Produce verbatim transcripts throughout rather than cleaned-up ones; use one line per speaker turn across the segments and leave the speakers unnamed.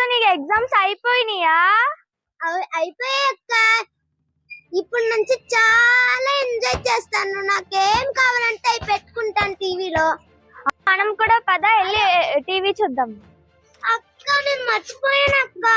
నీకు ఎగ్జామ్స్ అయిపోయినాయా?
అయిపోయాయి అక్క. ఇప్పుడు నుంచి చాలా ఎంజాయ్ చేస్తాను. నాకేం కావాలంటే అవి పెట్టుకుంటాను టీవీలో.
మనం కూడా పద వెళ్ళి టీవీ చూద్దాం.
అక్క నేను మర్చిపోయాను అక్క.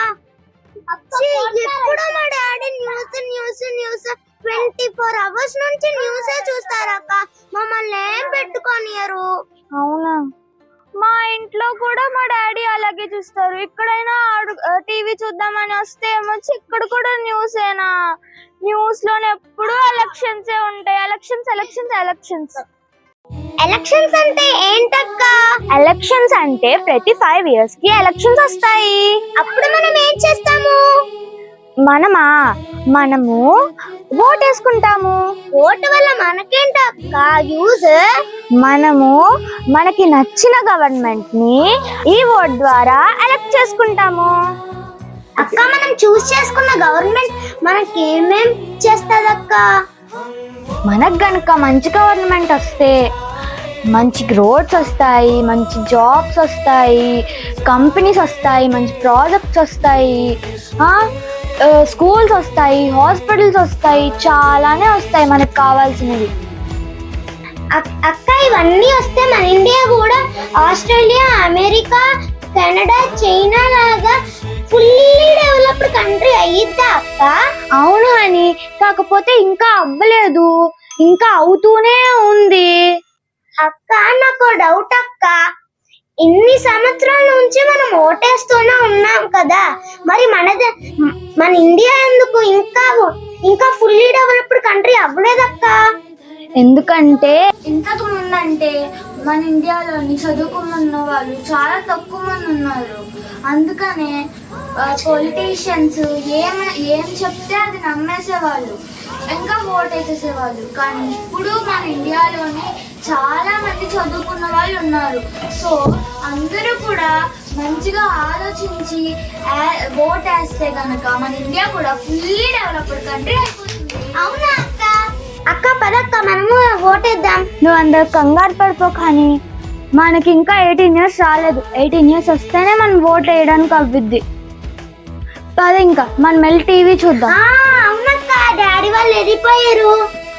ఎప్పుడు మా daddy news news news twenty four hours నుంచి న్యూసే చూస్తారు అక్క. మమ్మల్ని ఏం పెట్టుకోనియరు.
అవునా? మా ఇంట్లో కూడా మా డాడీ అలాగే చూస్తారు. ఎక్కడైనా టీవీ చూద్దామని వస్తే ఏమొచ్చి ఇక్కడ కూడా న్యూసేనా? న్యూస్ లోనే ఎప్పుడు ఎలక్షన్స్ ఉంటాయి. ఎలక్షన్స్ ఎలక్షన్స్ ఎలక్షన్స్
ఎలక్షన్స్ అంటే ఏంటక్క?
ఎలక్షన్స్ అంటే ప్రతి ఫైవ్ ఇయర్స్ కి ఎలక్షన్స్ వస్తాయి.
అప్పుడు మనం ఏం చేస్తాము?
మనమా మనము ఓట్ వేసుకుంటాము.
ఓటు వల్ల మనకేంటక్క యూజ్?
మనము మనకి నచ్చిన గవర్నమెంట్ ని ఈ ఓట్ ద్వారా ఎలక్ట్ చేసుకుంటాము.
అక్క మనం చూస్ చేసుకున్న గవర్నమెంట్ మనకి ఏమేం చేస్తదక్క?
మనకు గనక మంచి గవర్నమెంట్ వస్తే మంచి రోడ్స్ వస్తాయి, మంచి జాబ్స్ వస్తాయి, కంపెనీస్ వస్తాయి, మంచి ప్రాజెక్ట్స్ వస్తాయి, స్కూల్స్ వస్తాయి, హాస్పిటల్స్ వస్తాయి, చాలానే వస్తాయి మనకు కావాల్సినవి.
అక్క ఇవన్నీ వస్తే మన ఇండియా కూడా ఆస్ట్రేలియా, అమెరికా, కెనడా, చైనా లాగా ఫుల్లీ డెవలప్డ్ కంట్రీ అయ్యిద్దా అక్క?
అవును అని, కాకపోతే ఇంకా అవ్వలేదు, ఇంకా అవుతూనే ఉంది.
అక్క నాకు డౌట్ అక్క. ఇన్ని సంవత్సరాల నుంచి మనం ఓటేస్తూనే ఉన్నాం కదా, మరి మనది మన ఇండియా ఎందుకు ఇంకా ఇంకా ఫుల్లీ డెవలప్డ్ కంట్రీ అవ్వలేదక్క?
ఎందుకంటే ఇంతకు ముందంటే మన ఇండియాలోని చదువుకున్న వాళ్ళు చాలా తక్కువ మంది ఉన్నారు. అందుకనే పొలిటీషియన్స్ ఏం ఏం చెప్తే అది నమ్మేసేవాళ్ళు, ఇంకా ఓట్ వేసేసేవాళ్ళు. కానీ ఇప్పుడు మన ఇండియాలోని చాలా మంది చదువుకున్న వాళ్ళు ఉన్నారు. సో అందరూ కూడా మంచిగా ఆలోచించి ఓట్ వేస్తే కనుక మన ఇండియా కూడా ఫుల్లీ డెవలప్డ్ కంట్రీ అయిపోతుంది.
అవునా అక్క? అక్క పదక్క మనము ఓటేద్దాం.
నువ్వు అందరు కంగారు పడిపో, కానీ మనకి ఇంకా ఎయిటీన్ ఇయర్స్ రాలేదు. ఎయిటీన్ ఇయర్స్ వస్తేనే మనం ఓట్ వేయడానికి అవ్విద్ది. పద ఇంకా మనం వెళ్ళి టీవీ చూద్దాం.
అవునక్క, డాడీ వాళ్ళు వెళ్ళిపోయారు.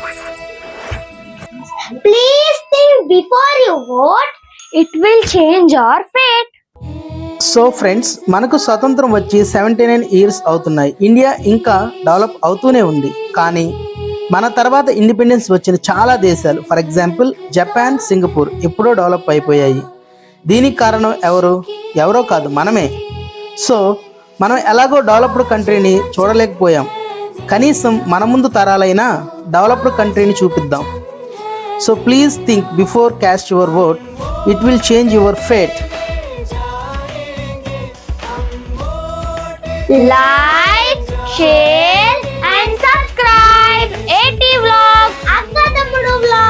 Please think before you vote.
It will change our fate.
So friends, మనకు స్వతంత్రం వచ్చి సెవెంటీ నైన్ ఇయర్స్ అవుతున్నాయి. ఇండియా ఇంకా డెవలప్ అవుతూనే ఉంది. కానీ మన తర్వాత ఇండిపెండెన్స్ వచ్చిన చాలా దేశాలు, ఫర్ ఎగ్జాంపుల్ జపాన్, సింగపూర్ ఎప్పుడో డెవలప్ అయిపోయాయి. దీనికి కారణం ఎవరు? ఎవరో కాదు, మనమే. సో మనం ఎలాగో డెవలప్డ్ కంట్రీని చూడలేకపోయాం. కనీసం మన ముందు తరాలైనా డెవలప్డ్ కంట్రీని చూపిద్దాం. So please think before cast your vote. It will change your fate.
Like, share and subscribe AT vlogs.
అక్క తమ్ముడు వ్లాగ్.